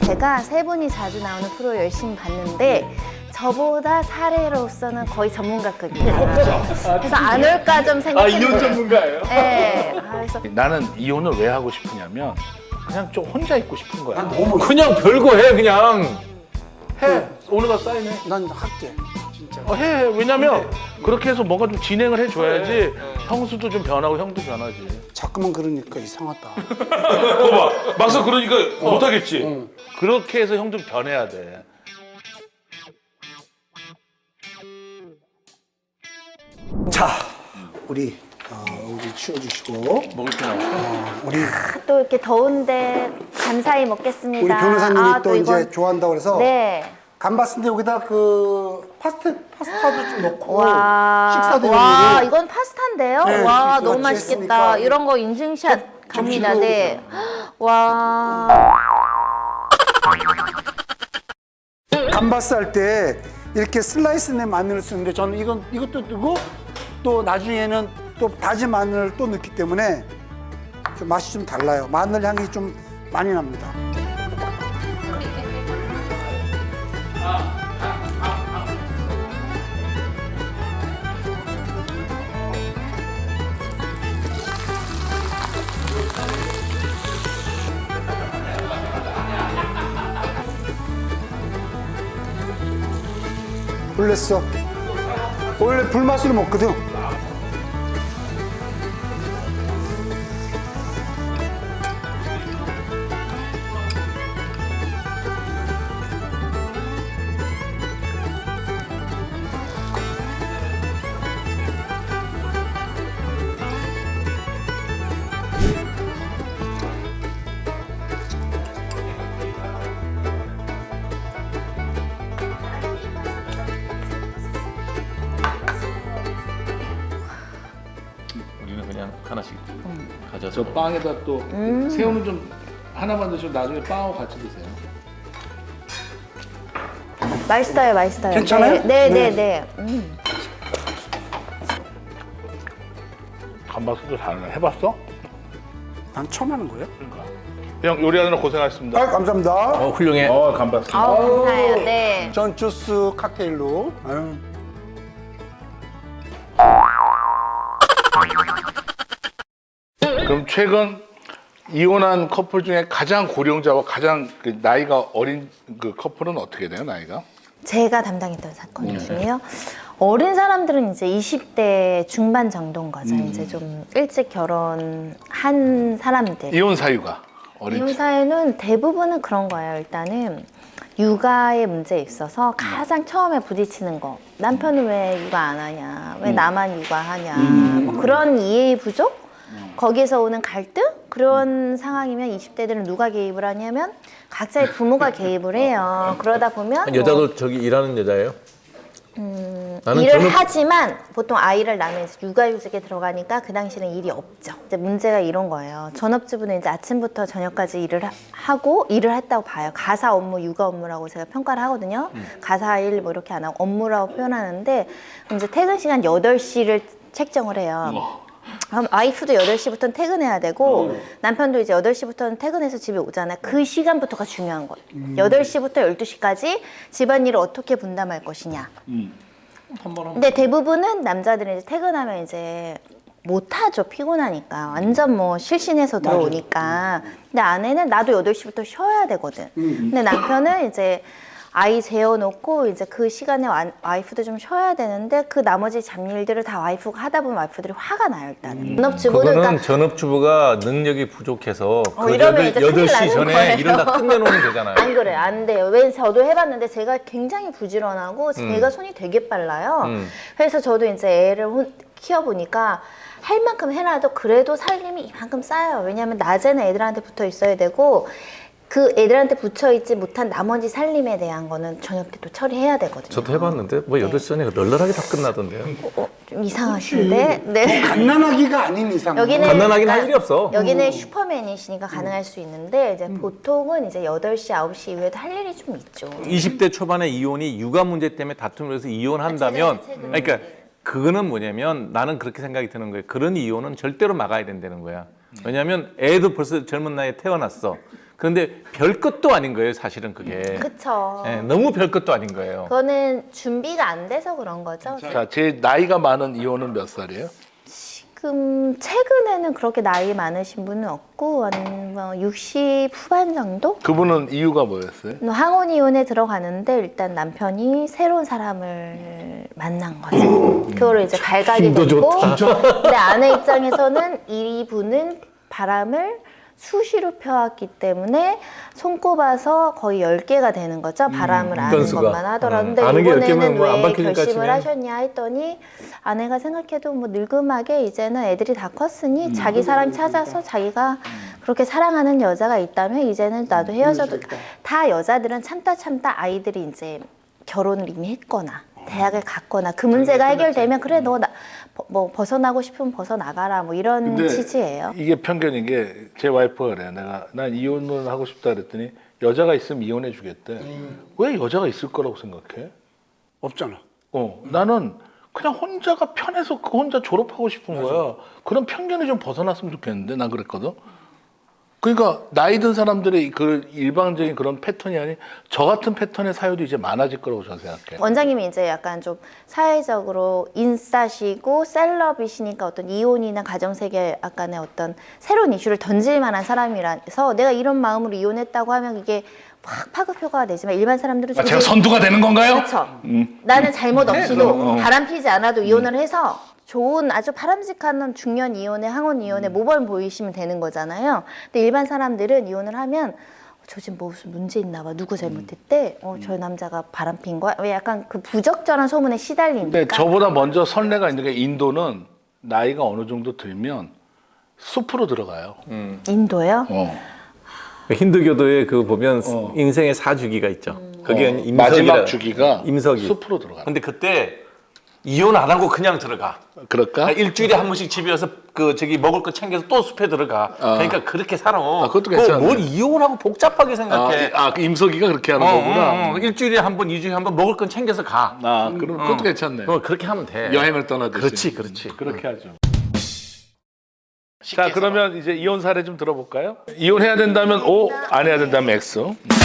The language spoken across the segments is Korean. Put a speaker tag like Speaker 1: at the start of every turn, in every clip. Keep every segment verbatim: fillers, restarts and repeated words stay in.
Speaker 1: 제가 세 분이 자주 나오는 프로 열심히 봤는데 저보다 사례로서는 거의 전문가급이에요. 그래서 안 올까 좀
Speaker 2: 아,
Speaker 1: 생각했는데.
Speaker 2: 이혼 전문가예요?
Speaker 1: 네. 아, 그래서
Speaker 3: 나는 이혼을 왜 하고 싶으냐면 그냥 좀 혼자 있고 싶은 거야.
Speaker 4: 난 너무
Speaker 2: 그냥 별거 해 그냥.
Speaker 3: 해. 오늘 가서 사인해.
Speaker 4: 난 할게. 진짜.
Speaker 3: 어, 해. 왜냐면 그렇게 해서 뭔가 좀 진행을 해줘야지 형수도 좀 변하고 형도 변하지.
Speaker 4: 자꾸만 그러니까 이상하다.
Speaker 3: 봐봐. 막상 그러니까 못하겠지.
Speaker 4: 응.
Speaker 3: 그렇게 해서 형 좀 변해야 돼.
Speaker 4: 자, 우리 어, 우리 치워주시고
Speaker 3: 먹을 게 나와.
Speaker 4: 어, 우리
Speaker 1: 또 이렇게 더운데 감사히 먹겠습니다.
Speaker 4: 우리 변호사님이
Speaker 1: 아,
Speaker 4: 또 이제
Speaker 1: 이건-
Speaker 4: 좋아한다고 그래서
Speaker 1: 네.
Speaker 4: 감바스인데 여기다 그 파스타 파스타도 좀 넣고
Speaker 1: 와,
Speaker 4: 식사도
Speaker 1: 와,
Speaker 4: 해주고.
Speaker 1: 이건 파스타인데요?
Speaker 4: 네,
Speaker 1: 와,
Speaker 4: 이거
Speaker 1: 너무
Speaker 4: 같이
Speaker 1: 맛있겠다.
Speaker 4: 했으니까
Speaker 1: 이런 거 인증샷 갑니다.
Speaker 4: 좀
Speaker 1: 네. 와.
Speaker 4: 감바스 할 때 이렇게 슬라이스 된 마늘을 쓰는데 저는 이건 이것도 넣고 또 나중에는 또 다진 마늘을 또 넣기 때문에 좀 맛이 좀 달라요. 마늘 향이 좀 많이 납니다. 불냈어. 원래 불맛으로 먹거든.
Speaker 2: 우리는 그냥 하나씩 가져서.
Speaker 3: 저 빵에다 또
Speaker 1: 음.
Speaker 3: 새우는 좀 하나만 드시고 나중에 빵하고 같이 드세요.
Speaker 1: 맛있어요, 맛있어요.
Speaker 4: 괜찮아요?
Speaker 1: 네, 네,
Speaker 4: 네.
Speaker 1: 네. 네. 음.
Speaker 3: 감바스도 잘하네. 해봤어?
Speaker 4: 난 처음 하는 거예요?
Speaker 3: 그러니까. 형 요리하느라 고생하셨습니다.
Speaker 4: 아, 감사합니다.
Speaker 2: 어 훌륭해.
Speaker 3: 어, 감바스.
Speaker 1: 아우, 감사해요. 네.
Speaker 4: 전 주스 칵테일로. 아유.
Speaker 3: 그럼 최근 이혼한 커플 중에 가장 고령자와 가장 그 나이가 어린 그 커플은 어떻게 돼요, 나이가?
Speaker 1: 제가 담당했던 사건 중에요. 어린 사람들은 이제 이십 대 중반 정도인 거죠. 이제 좀 일찍 결혼한 사람들.
Speaker 3: 이혼 사유가 어린.
Speaker 1: 이혼 사회는 대부분은 그런 거예요. 일단은 육아의 문제에 있어서 가장 처음에 부딪히는 거. 남편은 왜 육아 안 하냐? 왜 나만 육아하냐? 뭐 그런 이해의 부족? 거기에서 오는 갈등? 그런 상황이면 이십 대들은 누가 개입을 하냐면 각자의 부모가 개입을 해요. 그러다 보면 뭐
Speaker 2: 여자도 저기 일하는 여자예요?
Speaker 1: 음,
Speaker 2: 나는
Speaker 1: 일을
Speaker 2: 저는-
Speaker 1: 하지만 보통 아이를 낳으면 육아휴직에 들어가니까 그 당시는 일이 없죠. 이제 문제가 이런 거예요. 전업주부는 이제 아침부터 저녁까지 일을 하- 하고 일을 했다고 봐요. 가사 업무, 육아 업무라고 제가 평가를 하거든요. 가사 일 뭐 이렇게 안 하고 업무라고 표현하는데 그럼 이제 퇴근 시간 여덟 시를 책정을 해요. 그럼 와이프도 여덟 시부터는 퇴근해야 되고 남편도 이제 여덟 시부터는 퇴근해서 집에 오잖아요. 그 시간부터가 중요한 거예요. 여덟 시부터 열두 시까지 집안일을 어떻게 분담할 것이냐. 근데 대부분은 남자들은 이제 퇴근하면 이제 못하죠. 피곤하니까. 완전 뭐 실신해서 들어오니까. 근데 아내는 나도 여덟 시부터 쉬어야 되거든. 근데 남편은 이제 아이 재워놓고 이제 그 시간에 와, 와이프도 좀 쉬어야 되는데 그 나머지 잡일들을 다 와이프가 하다 보면 와이프들이 화가 나요 일단은. 전업주부는
Speaker 2: 그거는
Speaker 1: 그러니까
Speaker 2: 전업주부가 능력이 부족해서
Speaker 1: 어,
Speaker 2: 그
Speaker 1: 이러면
Speaker 2: 여덟,
Speaker 1: 이제
Speaker 2: 여덟
Speaker 1: 큰일
Speaker 2: 시
Speaker 1: 나는
Speaker 2: 전에
Speaker 1: 거예요.
Speaker 2: 일을 다 끝내놓으면 되잖아요.
Speaker 1: 안 그래요. 안 돼요. 왜 저도 해봤는데 제가 굉장히 부지런하고 제가 손이 되게 빨라요.
Speaker 2: 음.
Speaker 1: 그래서 저도 이제 애를 혼- 키워보니까 할 만큼 해놔도 그래도 살림이 이만큼 쌓여요. 왜냐하면 낮에는 애들한테 붙어 있어야 되고 그 애들한테 붙여있지 못한 나머지 살림에 대한 거는 저녁 때 또 처리해야 되거든요.
Speaker 2: 저도 해봤는데 뭐 여덟 시 전에 널널하게 다 끝나던데요.
Speaker 1: 어, 좀 이상하신데? 네.
Speaker 4: 갓난아기가 아닌 이상.
Speaker 1: 여기는
Speaker 2: 갓난아기는 할
Speaker 1: 그러니까
Speaker 2: 일이 없어.
Speaker 1: 여기는 슈퍼맨이시니까 가능할 수 있는데 이제 보통은 이제 여덟 시, 아홉 시 이후에도 할 일이 좀 있죠.
Speaker 2: 이십 대 초반에 이혼이 육아 문제 때문에 다툼을 해서 이혼한다면
Speaker 1: 최근에, 최근에.
Speaker 2: 그러니까 그거는 뭐냐면 나는 그렇게 생각이 드는 거예요. 그런 이혼은 절대로 막아야 된다는 거야. 왜냐하면 애도 벌써 젊은 나이에 태어났어. 그런데 별 것도 아닌 거예요, 사실은 그게.
Speaker 1: 그쵸.
Speaker 2: 예, 너무 별 것도 아닌 거예요.
Speaker 1: 그거는 준비가 안 돼서 그런 거죠.
Speaker 3: 자, 제일 나이가 많은 이혼은 몇 살이에요?
Speaker 1: 지금 최근에는 그렇게 나이 많으신 분은 없고 한 뭐 육십 후반 정도?
Speaker 3: 그분은 이유가 뭐였어요?
Speaker 1: 항원 이혼에 들어가는데 일단 남편이 새로운 사람을 만난 거죠. 그거를 이제 갈각이
Speaker 2: 힘도
Speaker 1: 됐고,
Speaker 2: 좋다.
Speaker 1: 근데 아내 입장에서는 이분은 바람을 수시로 펴왔기 때문에 손꼽아서 거의 열 개가 되는 거죠. 바람을 아는
Speaker 2: 건수가.
Speaker 1: 것만 하더라도.
Speaker 2: 음,
Speaker 1: 근데
Speaker 2: 아는 게 열 개면
Speaker 1: 이번에는
Speaker 2: 뭐안
Speaker 1: 왜
Speaker 2: 바뀌니까
Speaker 1: 결심을
Speaker 2: 치면.
Speaker 1: 하셨냐 했더니 아내가 생각해도 뭐 늙음하게 이제는 애들이 다 컸으니 자기 사랑 찾아서 자기가 그렇게 사랑하는 여자가 있다면 이제는 나도 헤어져도 다 여자들은 참다 참다 아이들이 이제 결혼을 이미 했거나 대학을 갔거나 그 문제가 해결되면 그래 너 나 뭐 벗어나고 싶으면 벗어나가라 뭐 이런
Speaker 3: 근데
Speaker 1: 취지예요.
Speaker 3: 이게 편견인 게 제 와이프가 그래요. 내가 난 이혼을 하고 싶다 그랬더니 여자가 있으면 이혼해 주겠대.
Speaker 4: 음.
Speaker 3: 왜 여자가 있을 거라고 생각해?
Speaker 4: 없잖아.
Speaker 3: 어, 나는 그냥 혼자가 편해서 그 혼자 졸업하고 싶은 거야. 그런 편견이 좀 벗어났으면 좋겠는데 난 그랬거든. 그러니까 나이 든 사람들의 그 일방적인 그런 패턴이 아닌 저 같은 패턴의 사유도 이제 많아질 거라고 저는 생각해.
Speaker 1: 원장님이 이제 약간 좀 사회적으로 인싸시고 셀럽이시니까 어떤 이혼이나 가정세계 약간의 어떤 새로운 이슈를 던질 만한 사람이라서 내가 이런 마음으로 이혼했다고 하면 이게 확 파급효과가 되지만 일반 사람들은
Speaker 3: 아, 제가 선두가 되는 건가요?
Speaker 1: 그렇죠.
Speaker 3: 음.
Speaker 1: 나는 잘못 없이도
Speaker 3: 어, 어.
Speaker 1: 바람 피지 않아도 이혼을 해서 좋은 아주 바람직한 중년 이혼에 항원 이혼에 모범 보이시면 되는 거잖아요. 근데 일반 사람들은 이혼을 하면 저 지금 뭐 무슨 문제 있나 봐. 누구 잘못했대? 어, 저 남자가 바람 핀 거야? 왜 약간 그 부적절한 소문에 시달리니까.
Speaker 3: 근데 저보다 먼저 선례가 있는 게 인도는 나이가 어느 정도 들면 숲으로 들어가요.
Speaker 1: 인도요?
Speaker 3: 어.
Speaker 2: 힌두교도에 그 보면
Speaker 3: 어.
Speaker 2: 인생의 사주기가 있죠. 그게
Speaker 3: 어,
Speaker 2: 임석이라.
Speaker 3: 마지막 주기가
Speaker 2: 임석이.
Speaker 3: 숲으로 들어가.
Speaker 2: 근데 그때 이혼 안 하고 그냥 들어가.
Speaker 3: 그럴까?
Speaker 2: 아, 일주일에 한 번씩 집에 와서 그 저기 먹을 거 챙겨서 또 숲에 들어가.
Speaker 3: 아.
Speaker 2: 그러니까 그렇게 살아.
Speaker 3: 그것도
Speaker 2: 그거
Speaker 3: 괜찮네.
Speaker 2: 뭘 이혼하고 복잡하게
Speaker 3: 아,
Speaker 2: 생각해.
Speaker 3: 아, 그 임석이가 그렇게 하는
Speaker 2: 어,
Speaker 3: 거구나.
Speaker 2: 어, 어. 일주일에 한 번, 이주일에 한 번 먹을 건 챙겨서 가.
Speaker 3: 아, 그럼 그것도
Speaker 2: 어.
Speaker 3: 괜찮네.
Speaker 2: 어, 그렇게 하면 돼.
Speaker 3: 여행을 떠나듯이.
Speaker 2: 그렇지, 그렇지.
Speaker 3: 그렇게 하죠. 자, 그러면 이제 이혼 사례 좀 들어볼까요? 이혼해야 된다면 O, 안 해야 된다면 X.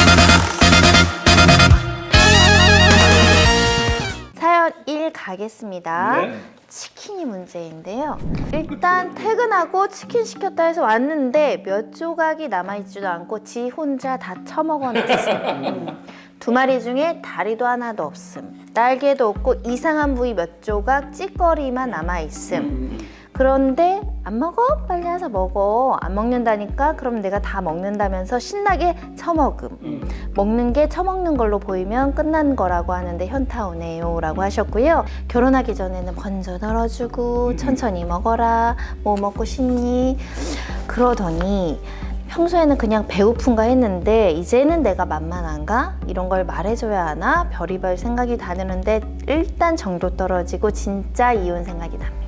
Speaker 1: 사연 일 가겠습니다.
Speaker 3: 네.
Speaker 1: 치킨이 문제인데요. 일단 퇴근하고 치킨 시켰다 해서 왔는데 몇 조각이 남아있지도 않고 지 혼자 다 처먹어놨음. 두 마리 중에 다리도 하나도 없음. 날개도 없고 이상한 부위 몇 조각 찌꺼리만 남아있음. 그런데 안 먹어? 빨리 와서 먹어. 안 먹는다니까? 그럼 내가 다 먹는다면서 신나게 처먹음. 먹는 게 처먹는 걸로 보이면 끝난 거라고 하는데 현타 오네요 라고 하셨고요. 결혼하기 전에는 먼저 널어주고 천천히 먹어라. 뭐 먹고 싶니? 그러더니 평소에는 그냥 배고픈가 했는데 이제는 내가 만만한가? 이런 걸 말해줘야 하나? 별의별 생각이 다 드는데 일단 정도 떨어지고 진짜 이혼 생각이 납니다.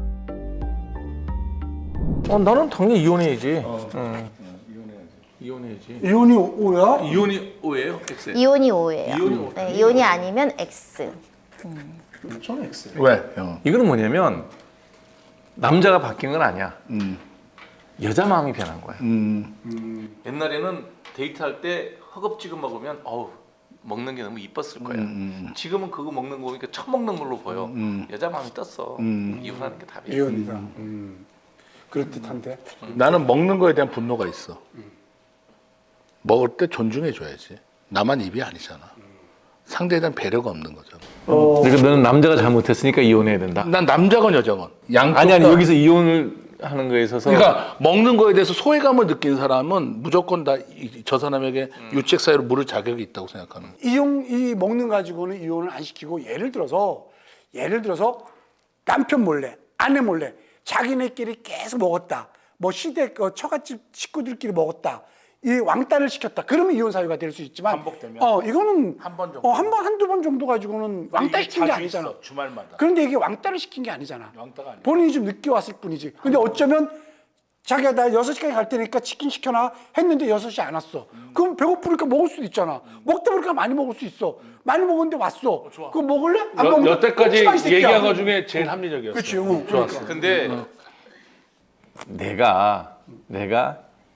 Speaker 2: 어, 나는 당연히 이혼해야지.
Speaker 3: 어.
Speaker 2: 응. 이혼해야지.
Speaker 4: 이혼이 오야?
Speaker 2: 이혼이 O예요? X예요?
Speaker 1: 이혼이 오예요.
Speaker 2: 이혼이 오.
Speaker 1: 네, 이혼이 아니면 X.
Speaker 4: 저는 X.
Speaker 3: 왜? 형.
Speaker 2: 이거는 뭐냐면 남자가 바뀐 건 아니야.
Speaker 3: 음.
Speaker 2: 여자 마음이 변한 거야.
Speaker 3: 음.
Speaker 2: 옛날에는 데이트할 때 허겁지겁 먹으면 어우 먹는 게 너무 이뻤을 거야.
Speaker 3: 음.
Speaker 2: 지금은 그거 먹는 거 보니까 처먹는 걸로 보여.
Speaker 3: 음.
Speaker 2: 여자 마음이 떴어.
Speaker 3: 음.
Speaker 2: 이혼하는 게 답이야.
Speaker 4: 이혼이다. 음. 그럴 듯한데.
Speaker 3: 나는 먹는 거에 대한 분노가 있어. 먹을 때 존중해 줘야지. 나만 입이 아니잖아. 상대에 대한 배려가 없는 거잖아.
Speaker 4: 어.
Speaker 2: 그러니까 너는 남자가 잘못했으니까 이혼해야 된다.
Speaker 3: 난 남자건 여자건 양쪽
Speaker 2: 아니 아니
Speaker 3: 다-
Speaker 2: 여기서 이혼을 하는 거에 있어서
Speaker 3: 그러니까 먹는 거에 대해서 소외감을 느낀 사람은 무조건 다 저 사람에게 유책 사유로 물을 자격이 있다고 생각하는 거야.
Speaker 4: 이용 이 먹는 가지고는 이혼을 안 시키고 예를 들어서 예를 들어서 남편 몰래 아내 몰래 자기네끼리 계속 먹었다. 뭐 시댁 어, 처갓집 식구들끼리 먹었다. 이 왕따를 시켰다. 그러면 이혼 사유가 될 수 있지만
Speaker 3: 반복되면?
Speaker 4: 어 이거는
Speaker 3: 한번 정도?
Speaker 4: 어, 한 번 한두 번 정도 가지고는 왕따 시킨 게
Speaker 3: 자주
Speaker 4: 아니잖아.
Speaker 3: 있어, 주말마다.
Speaker 4: 그런데 이게 왕따를 시킨 게 아니잖아.
Speaker 3: 왕따가 아니야.
Speaker 4: 본인이 좀 늦게 왔을 뿐이지. 근데 어쩌면 자기가 나 여섯 시까지 갈 테니까 치킨 시켜놔 했는데 여섯 시 안 왔어. 그럼 배고프니까 먹을 수도 있잖아. 먹다 보니까 많이 먹을 수 있어. 많이 먹었는데 왔어. 그거 먹을래? 안
Speaker 3: 여,
Speaker 4: 먹으면
Speaker 3: 여태까지
Speaker 4: 먹지 마, 이 새끼야.
Speaker 3: 얘기한 것 중에 제일 합리적이었어.
Speaker 4: 그치, 응.
Speaker 3: 좋았어.
Speaker 2: 근데 내가 내가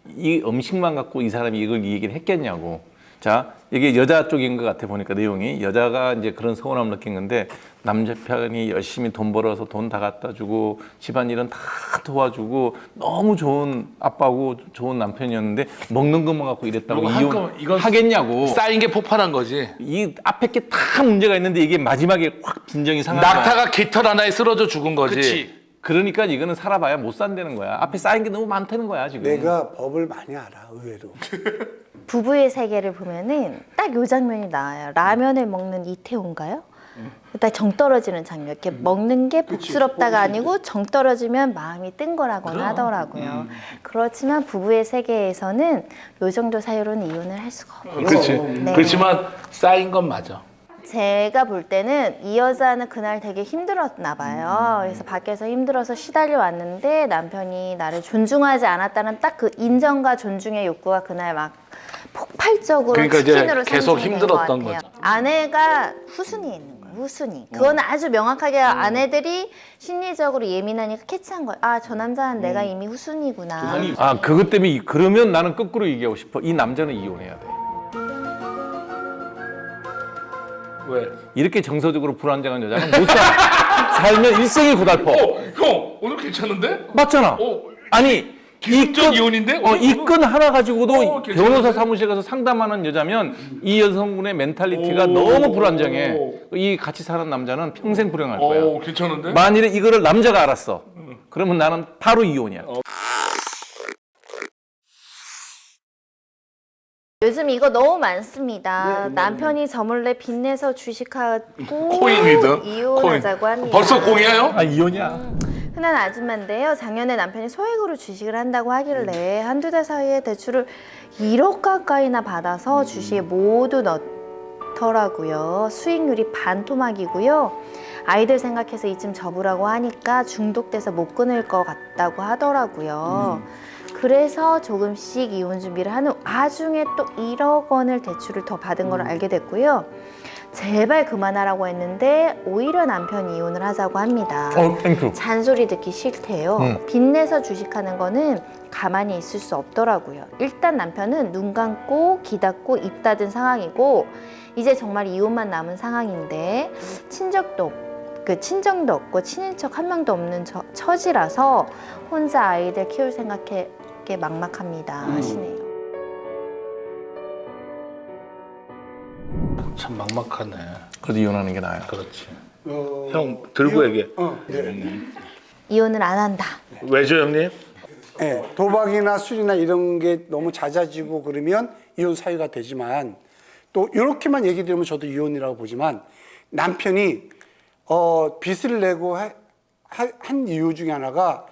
Speaker 2: 이 음식만 갖고 이 사람이 이걸 이 얘기를 했겠냐고. 자, 이게 여자 쪽인 것 같아 보니까 내용이 여자가 이제 그런 서운함을 느낀 건데 남편이 열심히 돈 벌어서 돈 다 갖다 주고 집안일은 다 도와주고 너무 좋은 아빠고 좋은 남편이었는데 먹는 것만 갖고 이랬다고
Speaker 3: 그리고
Speaker 2: 이혼
Speaker 3: 한꺼번에 이건
Speaker 2: 하겠냐고.
Speaker 3: 쌓인 게 폭발한 거지.
Speaker 2: 이 앞에 게 다 문제가 있는데 이게 마지막에 확 빈정이 상한 거야.
Speaker 3: 낙타가 깃털 하나에 쓰러져 죽은 거지.
Speaker 2: 그치. 그러니까 이거는 살아봐야 못 산다는 거야. 앞에 쌓인 게 너무 많다는 거야 지금.
Speaker 4: 내가 법을 많이 알아, 의외로.
Speaker 1: 부부의 세계를 보면은 딱 요 장면이 나와요. 라면을 먹는 이태원가요? 딱 정 떨어지는 장면. 이렇게 먹는 게 복스럽다가 아니고 정 떨어지면 마음이 뜬 거라고는 하더라고요. 그렇지만 부부의 세계에서는 요 정도 사유로는 이혼을 할 수가 없어요.
Speaker 3: 그렇지.
Speaker 1: 네.
Speaker 3: 그렇지만 쌓인 건 맞아.
Speaker 1: 제가 볼 때는 이 여자는 그날 되게 힘들었나 봐요. 그래서 밖에서 힘들어서 시달려 왔는데 남편이 나를 존중하지 않았다는 딱 그 인정과 존중의 욕구가 그날 막 폭발적으로
Speaker 3: 그러니까 이제
Speaker 1: 치킨으로
Speaker 3: 계속
Speaker 1: 상징된
Speaker 3: 힘들었던
Speaker 1: 것 같아요.
Speaker 3: 거죠.
Speaker 1: 아내가 후순위에 있는 거예요. 후순위. 그거는 아주 명확하게 아내들이 심리적으로 예민하니까 캐치한 거예요. 아, 저 남자는 내가 이미 후순위구나.
Speaker 2: 아 그것 때문에 이- 그러면 나는 거꾸로 얘기하고 싶어. 이 남자는 이혼해야 돼.
Speaker 3: 왜?
Speaker 2: 이렇게 정서적으로 불안정한 여자는 못 살아. 살면 일생이 고달퍼.
Speaker 3: 형 오늘 괜찮은데?
Speaker 2: 맞잖아.
Speaker 3: 어,
Speaker 2: 아니
Speaker 3: 기승전 이혼인데?
Speaker 2: 어, 이 건 하나 가지고도
Speaker 3: 어, 괜찮은데?
Speaker 2: 변호사 사무실 가서 상담하는 여자면 이 여성분의 멘탈리티가
Speaker 3: 오,
Speaker 2: 너무 불안정해.
Speaker 3: 오.
Speaker 2: 이 같이 사는 남자는 평생 불행할 거야.
Speaker 3: 어 괜찮은데?
Speaker 2: 만일에 이거를 남자가 알았어. 그러면 나는 바로 이혼이야.
Speaker 1: 요즘 이거 너무 많습니다. 남편이 저 몰래 빚내서 주식하고
Speaker 3: 코인이든
Speaker 1: 이혼하자고
Speaker 3: 코인.
Speaker 1: 합니다.
Speaker 3: 벌써 공이에요?
Speaker 2: 아 이혼이야.
Speaker 1: 흔한 아줌마인데요. 작년에 남편이 소액으로 주식을 한다고 하길래 한두 달 사이에 대출을 일억 가까이나 받아서 주식에 모두 넣더라고요. 수익률이 반토막이고요. 아이들 생각해서 이쯤 접으라고 하니까 중독돼서 못 끊을 것 같다고 하더라고요. 그래서 조금씩 이혼 준비를 하는 와중에 또 일억 원을 대출을 더 받은 걸 알게 됐고요. 제발 그만하라고 했는데 오히려 남편이 이혼을 하자고 합니다.
Speaker 2: 어 땡큐.
Speaker 1: 잔소리 듣기 싫대요.
Speaker 2: 음.
Speaker 1: 빚내서 주식하는 거는 가만히 있을 수 없더라고요. 일단 남편은 눈 감고 귀 닫고 입 닫은 상황이고 이제 정말 이혼만 남은 상황인데 친척도 없고 그 친정도 없고 친인척 한 명도 없는 저, 처지라서 혼자 아이들 키울 생각에 막막합니다 하시네요.
Speaker 3: 참 막막하네.
Speaker 2: 그래도 이혼하는 게 나아요.
Speaker 3: 그렇지.
Speaker 4: 어,
Speaker 3: 형 들고 얘기해.
Speaker 4: 어, 네.
Speaker 1: 이혼을 안 한다.
Speaker 3: 왜죠 형님?
Speaker 4: 네, 도박이나 술이나 이런 게 너무 잦아지고 그러면 이혼 사유가 되지만 또 이렇게만 얘기 들으면 저도 이혼이라고 보지만 남편이 어, 빚을 내고 하, 하, 한 이유 중에 하나가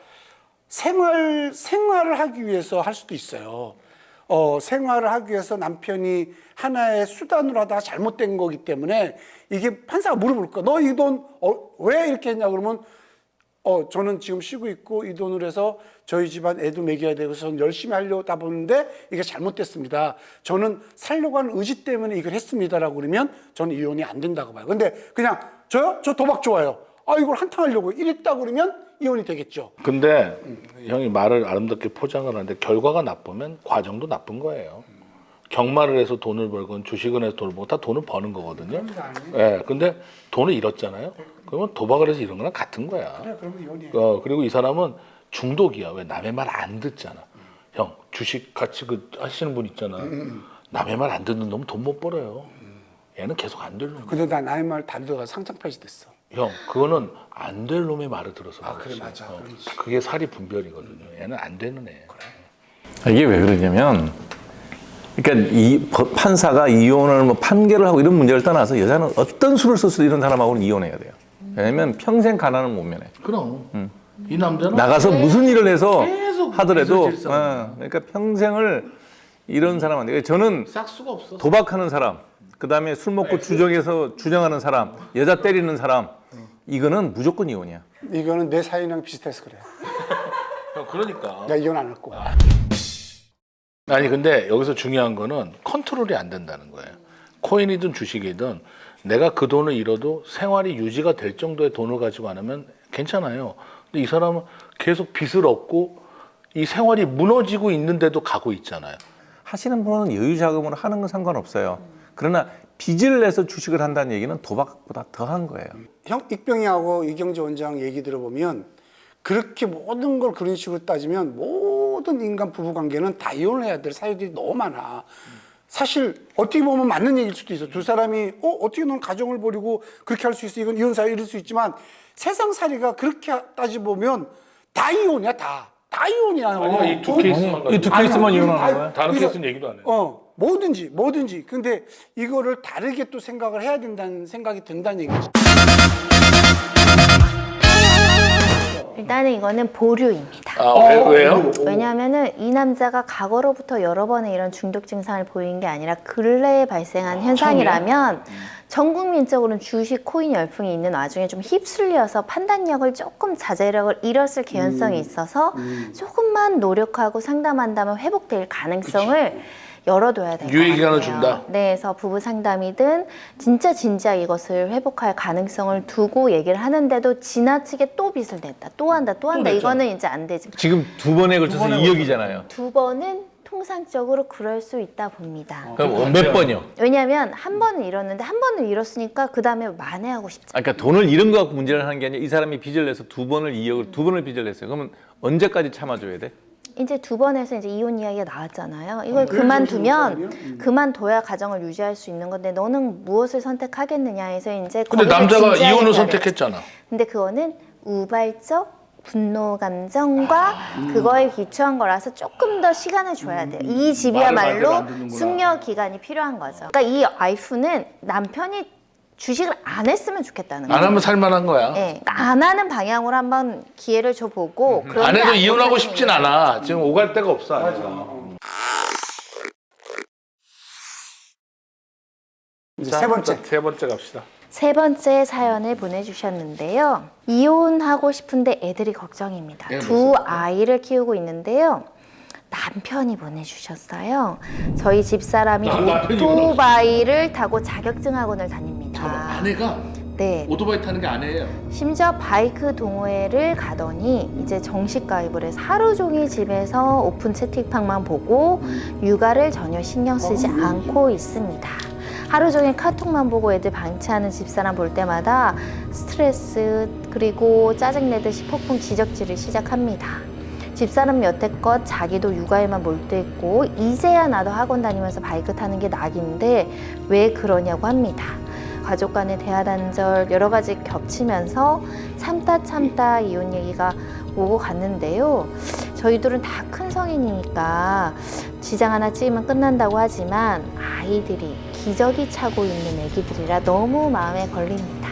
Speaker 4: 생활 생활을 하기 위해서 할 수도 있어요. 어, 생활을 하기 위해서 남편이 하나의 수단으로 하다가 잘못된 거기 때문에 이게 판사가 물어볼 거야. 너 이 돈 어, 왜 이렇게 했냐 그러면 어, 저는 지금 쉬고 있고 이 돈으로 해서 저희 집안 애도 먹여야 되고 저는 열심히 하려다 보는데 이게 잘못됐습니다. 저는 살려고 하는 의지 때문에 이걸 했습니다라고 그러면 저는 이혼이 안 된다고 봐요. 근데 그냥 저요? 저 도박 좋아요. 아, 이걸 한탕 하려고 이랬다 그러면 이혼이 되겠죠.
Speaker 3: 근데 형이 말을 아름답게 포장을 하는데 결과가 나쁘면 과정도 나쁜 거예요. 경마를 해서 돈을 벌건 주식을 해서 돈을 벌건 다 돈을 버는 거거든요. 예. 네, 근데 돈을 잃었잖아요. 그러면 도박을 해서 잃은 거랑 같은 거야.
Speaker 4: 그래, 그러면 이혼이에요.
Speaker 3: 어, 그리고 이 사람은 중독이야. 왜 남의 말 안 듣잖아. 형 주식 같이 그 하시는 분 있잖아. 남의 말 안 듣는 놈은 돈 못 벌어요. 얘는 계속 안 될 놈.
Speaker 4: 근데 나 나의 말 다 들어가 상장 폐지됐어.
Speaker 3: 형 그거는 안 될 놈의 말을 들어서
Speaker 4: 아,
Speaker 3: 그렇지.
Speaker 4: 그래, 맞아.
Speaker 3: 어, 그게 살이 분별이거든요. 얘는 안 되는 애.
Speaker 2: 이게 왜 그러냐면, 그러니까 이 법- 판사가 이혼을 뭐 판결을 하고 이런 문제를 떠나서 여자는 어떤 수를 써서 이런 사람하고는 이혼해야 돼요. 왜냐면 평생 가난은 못 면해.
Speaker 3: 그럼 이 남자는
Speaker 2: 나가서 무슨 일을 해서
Speaker 3: 계속
Speaker 2: 하더라도,
Speaker 3: 빚을 질 사람.
Speaker 2: 어, 그러니까 평생을 이런 사람한테. 저는
Speaker 3: 싹 수가 없어.
Speaker 2: 도박하는 사람, 그 다음에 술 먹고 주정해서 주정하는 사람, 여자 때리는 사람, 이거는 무조건 이혼이야.
Speaker 4: 이거는 내 사연이랑 비슷해서 그래.
Speaker 3: 형 그러니까.
Speaker 4: 내가 이혼 안 할 거야.
Speaker 3: 아니 근데 여기서 중요한 거는 컨트롤이 안 된다는 거예요. 코인이든 주식이든 내가 그 돈을 잃어도 생활이 유지가 될 정도의 돈을 가지고 안 하면 괜찮아요. 근데 이 사람은 계속 빚을 얻고 이 생활이 무너지고 있는데도 가고 있잖아요.
Speaker 2: 하시는 분은 여유 자금으로 하는 건 상관없어요. 그러나 빚을 내서 주식을 한다는 얘기는 도박보다 더한 거예요.
Speaker 4: 형 익병이하고 이경재 원장 얘기 들어보면 그렇게 모든 걸 그런 식으로 따지면 모든 인간 부부 관계는 다 이혼해야 될 사유들이 너무 많아. 사실 어떻게 보면 맞는 얘기일 수도 있어. 두 사람이 어 어떻게 넌 가정을 버리고 그렇게 할 수 있어? 이건 이혼 사유 이럴 수 있지만 세상살이가 그렇게 따지 보면 다 이혼이야 다. 다 이혼이야.
Speaker 3: 아니야, 이두 케이스만
Speaker 2: 이 두
Speaker 3: 가지고.
Speaker 2: 케이스만
Speaker 4: 아니,
Speaker 2: 이혼하는
Speaker 4: 아니,
Speaker 2: 거야?
Speaker 3: 다른
Speaker 4: 그래서-
Speaker 3: 케이스는 얘기도 안 해요.
Speaker 4: 어 뭐든지 뭐든지. 근데 이거를 다르게 또 생각을 해야 된다는 생각이 든다는 얘기지.
Speaker 1: 일단은 이거는 보류입니다.
Speaker 3: 아, 왜, 왜요?
Speaker 1: 왜냐하면은 이 남자가 과거로부터 여러 번의 이런 중독 증상을 보이는 게 아니라 근래에 발생한 현상이라면 전 국민적으로는 주식 코인 열풍이 있는 와중에 좀 휩쓸려서 판단력을 조금 자제력을 잃었을 개연성이 있어서 조금만 노력하고 상담한다면 회복될 가능성을 열어둬야 될 것
Speaker 3: 유예
Speaker 1: 같아요.
Speaker 3: 기간을 준다?
Speaker 1: 네, 그래서 부부 상담이든 진짜 진지하게 이것을 회복할 가능성을 두고 얘기를 하는데도 지나치게 또 빚을 냈다, 또 한다, 또 한다.
Speaker 3: 냈잖아.
Speaker 1: 이거는 이제 안 되지.
Speaker 2: 지금 두 번에 걸쳐서 이억이잖아요.
Speaker 1: 두 번은 통상적으로 그럴 수 있다 봅니다.
Speaker 2: 그럼 몇 번이요?
Speaker 1: 왜냐하면 한 번은 잃었는데 한 번은 잃었으니까 그 다음에 만회하고 싶지.
Speaker 2: 아, 그러니까 돈을 잃은 거 갖고 문제를 하는 게 아니라 이 사람이 빚을 내서 두 번을 이억을 두 번을 빚을 냈어요. 그러면 언제까지 참아줘야 돼?
Speaker 1: 이제 두 번에서 이제 이혼 이야기가 나왔잖아요. 이걸 그만두면 그만둬야 가정을 유지할 수 있는 건데 너는 무엇을 선택하겠느냐 해서 이제
Speaker 3: 근데
Speaker 1: 거기서
Speaker 3: 남자가
Speaker 1: 진지하게
Speaker 3: 이혼을
Speaker 1: 대화를
Speaker 3: 선택했잖아.
Speaker 1: 했죠. 근데 그거는 우발적 분노 감정과 그거에 기초한 거라서 조금 더 시간을 줘야 돼요. 이 집이야말로
Speaker 3: 말을 안 듣는구나.
Speaker 1: 숙려 기간이 필요한 거죠. 그러니까 이 와이프는 남편이 주식을 안 했으면 좋겠다는
Speaker 3: 안
Speaker 1: 거예요.
Speaker 3: 하면 살만한 거야.
Speaker 1: 네, 그러니까 안 하는 방향으로 한번 기회를 줘보고
Speaker 3: 안
Speaker 1: 그런데
Speaker 3: 해도
Speaker 1: 안
Speaker 3: 이혼하고
Speaker 1: 못하는
Speaker 3: 싶진
Speaker 1: 거예요.
Speaker 3: 않아. 지금 오갈 데가 없어. 아직.
Speaker 4: 이제
Speaker 3: 자,
Speaker 4: 세 번째.
Speaker 3: 세 번째 갑시다.
Speaker 1: 세 번째 사연을 보내주셨는데요. 이혼하고 싶은데 애들이 걱정입니다.
Speaker 3: 예,
Speaker 1: 두 아이를 키우고 있는데요. 남편이 보내주셨어요. 저희 집사람이
Speaker 3: 나- 남편이
Speaker 1: 오토바이를 타고 자격증 학원을 다닙니다.
Speaker 3: 아내가
Speaker 1: 네.
Speaker 3: 오토바이 타는 게 아내예요.
Speaker 1: 심지어 바이크 동호회를 가더니 이제 정식 가입을 해서 하루 종일 집에서 오픈 채팅방만 보고 육아를 전혀 신경 쓰지 않고 있습니다. 하루 종일 카톡만 보고 애들 방치하는 집사람 볼 때마다 스트레스 그리고 짜증내듯이 폭풍 지적질을 시작합니다. 집사람 여태껏 자기도 육아에만 몰두했고 이제야 나도 학원 다니면서 바이크 타는 게 낙인데 왜 그러냐고 합니다. 가족 간의 대화 단절 여러 가지 겹치면서 참다 참다 이혼 얘기가 오고 갔는데요. 저희들은 다 큰 성인이니까 지장 하나 찍으면 끝난다고 하지만 아이들이 기저귀 차고 있는 애기들이라 너무 마음에 걸립니다.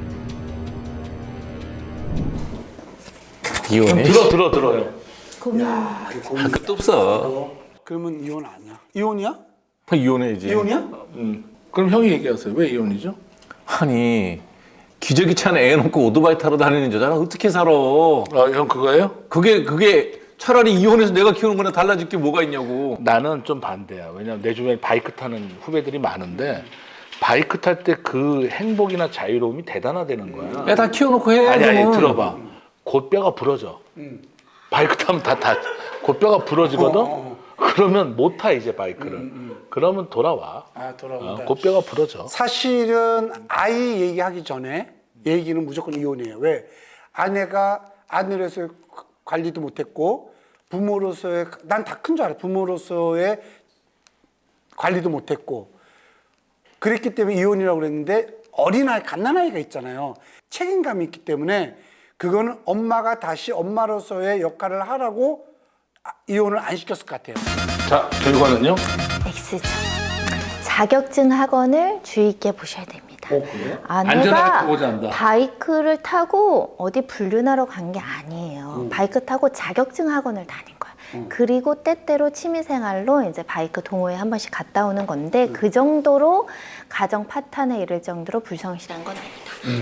Speaker 2: 이혼해?
Speaker 3: 들어 들어 들어요.
Speaker 2: 할 것도 없어.
Speaker 4: 그러면 이혼 아니야? 이혼이야?
Speaker 2: 이혼해야지.
Speaker 4: 이혼이야?
Speaker 3: 음. 그럼 형이 얘기하세요. 왜 이혼이죠?
Speaker 2: 아니 기저귀 차는 애 놓고 오토바이 타러 다니는 여자랑 어떻게 살아?
Speaker 3: 아, 형 그거예요?
Speaker 2: 그게 그게 차라리 이혼해서 내가 키우는 거랑 달라질 게 뭐가 있냐고.
Speaker 3: 나는 좀 반대야. 왜냐면 내 주변에 바이크 타는 후배들이 많은데 바이크 탈 때 그 행복이나 자유로움이 대단하다는 거야.
Speaker 2: 애 다 키워놓고 해.
Speaker 3: 아니 아니
Speaker 2: 그러면.
Speaker 3: 들어봐. 곧뼈가 부러져. 바이크 타면 다 다 곧뼈가 부러지거든.
Speaker 4: 어, 어,
Speaker 3: 그러면 못 타 이제 바이크를. 그러면 돌아와.
Speaker 4: 아 돌아온다.
Speaker 3: 어, 곧뼈가 부러져.
Speaker 4: 사실은 아이 얘기하기 전에 얘기는 무조건 이혼이에요. 왜? 아내가 아내로서의 관리도 못했고 부모로서의 난 다 큰 줄 알아. 부모로서의 관리도 못했고 그랬기 때문에 이혼이라고 그랬는데 어린아이 갓난아이가 있잖아요. 책임감이 있기 때문에 그거는 엄마가 다시 엄마로서의 역할을 하라고 아, 이혼을 안 시켰을 것 같아요.
Speaker 3: 자 결과는요?
Speaker 1: X죠. 자격증 학원을 주의 있게 보셔야 됩니다.
Speaker 3: 어, 그래요?
Speaker 1: 아내가
Speaker 3: 안전하게 타고자 한다.
Speaker 1: 바이크를 타고 어디 불륜하러 간 게 아니에요. 바이크 타고 자격증 학원을 다닌 거예요. 그리고 때때로 취미생활로 이제 바이크 동호회 한 번씩 갔다 오는 건데 그 정도로 가정 파탄에 이를 정도로 불성실한 건 아니다.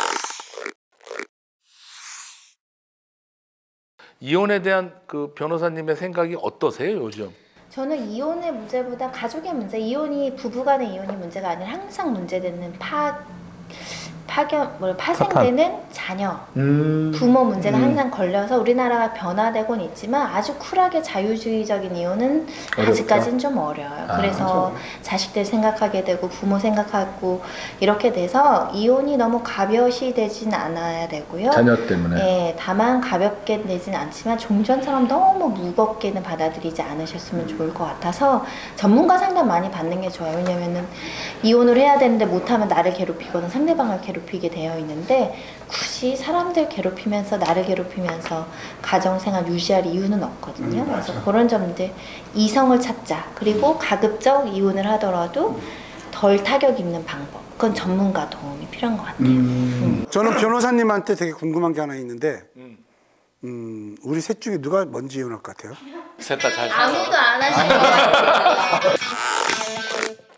Speaker 3: 이혼에 대한 그 변호사님의 생각이 어떠세요 요즘?
Speaker 1: 저는 이혼의 문제보다 가족의 문제, 이혼이 부부간의 이혼이 문제가 아니라 항상 문제되는 파 파견, 뭐 파생되는 자녀,
Speaker 3: 음.
Speaker 1: 부모 문제가
Speaker 3: 음.
Speaker 1: 항상 걸려서 우리나라가 변화되곤 있지만 아주 쿨하게 자유주의적인 이혼은
Speaker 3: 어렵다.
Speaker 1: 아직까지는 좀 어려워요.
Speaker 3: 아,
Speaker 1: 그래서 자식들 생각하게 되고 부모 생각하고 이렇게 돼서 이혼이 너무 가벼시 되진 않아야 되고요.
Speaker 3: 자녀 때문에.
Speaker 1: 예, 다만 가볍게 되진 않지만 종전처럼 너무 무겁게는 받아들이지 않으셨으면 좋을 것 같아서 전문가 상담 많이 받는 게 좋아요. 왜냐면은 이혼을 해야 되는데 못하면 나를 괴롭히거나 상대방을 괴롭히게 되어 있는데 굳이 사람들 괴롭히면서 나를 괴롭히면서 가정생활 유지할 이유는 없거든요. 그래서 그런 점들 이성을 찾자. 그리고 가급적 이혼을 하더라도 덜 타격 입는 방법. 그건 전문가 도움이 필요한 것 같아요. 음.
Speaker 4: 저는 변호사님한테 되게 궁금한 게 하나 있는데, 음, 우리 셋 중에 누가 먼저 이혼할 것 같아요?
Speaker 3: 셋 다 잘.
Speaker 1: 아무도 안 하시는 것 같아요.